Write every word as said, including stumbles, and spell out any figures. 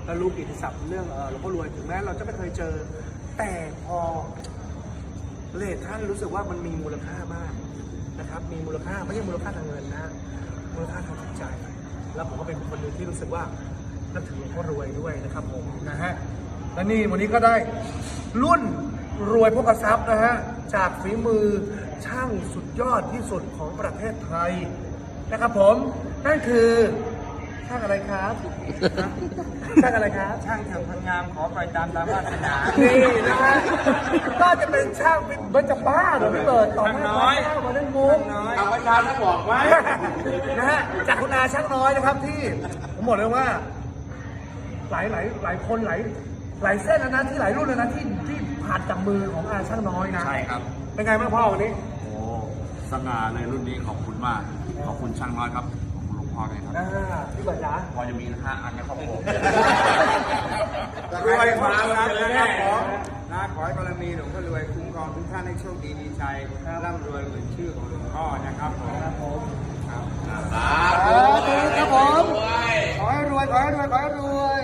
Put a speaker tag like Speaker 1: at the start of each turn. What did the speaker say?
Speaker 1: เรารู้กิตติศัพท์เรื่องหลวงพ่อรวยถึงแม้เราจะไม่เคยเจอแต่พอเลทท่านรู้สึกว่ามันมีมูลค่ามากนะครับมีมูลค่าไม่ใช่มูลค่าทางเงินนะมูลค่าทางจิตใจแล้วผมก็เป็นคนหนึ่งที่รู้สึกว่านับถือหลวงพ่อรวยด้วยนะครับผมนะฮะและนี่วันนี้ก็ได้รุ่นรวยพกทรัพย์นะฮะจากฝีมือช่างสุดยอดที่สุดของประเทศไทยนะครับผมนั่นคือช่างอะไรครับช่างอะไรครับช่างเถิดพังงามขอไปตามตามวาสนานี่นะฮะก็จะเป็นช่างเป็นเบิร์จะบ้าเหรอพี่เบิร์ดต่อหน้าน้อยมาเล่นมุก
Speaker 2: เอาประชาชนบอกไว้
Speaker 1: นะฮะจากคุณอาช่างน้อยนะครับที่ผมบอกเลยว่าหลายหลายหลายคนหลายหลายเส้นแล้วนะที่หลายรุ่นแล้วนะที่ที่ผ่านจากมือของอาช่างน้อยนะ
Speaker 2: ใช่ครับ
Speaker 1: เป็นไงบ้างพ่อวันนี้
Speaker 2: โอ้สง่าเลยรุ่นนี้ขอบคุณมาก ขอบคุณช่างน้อยครับขอบคุณหลวงพ่อเลยครับ
Speaker 1: อ่าพี่เบิร์ดจ๋า
Speaker 2: พอจะมีห้าอันนะครับผม
Speaker 3: รวยความรักนะครับขอนะขอให้บารมีหลวงพ่อรวยคุ้มครองทุกท่านให้โชคดีมีชัยร่ำรวยเหมือนชื่อของหลวงพ่อนะครับผม
Speaker 1: ครับผม
Speaker 3: ครับ
Speaker 1: สาธุครับผมขอให้รวยขอให้รวยขอให้รวย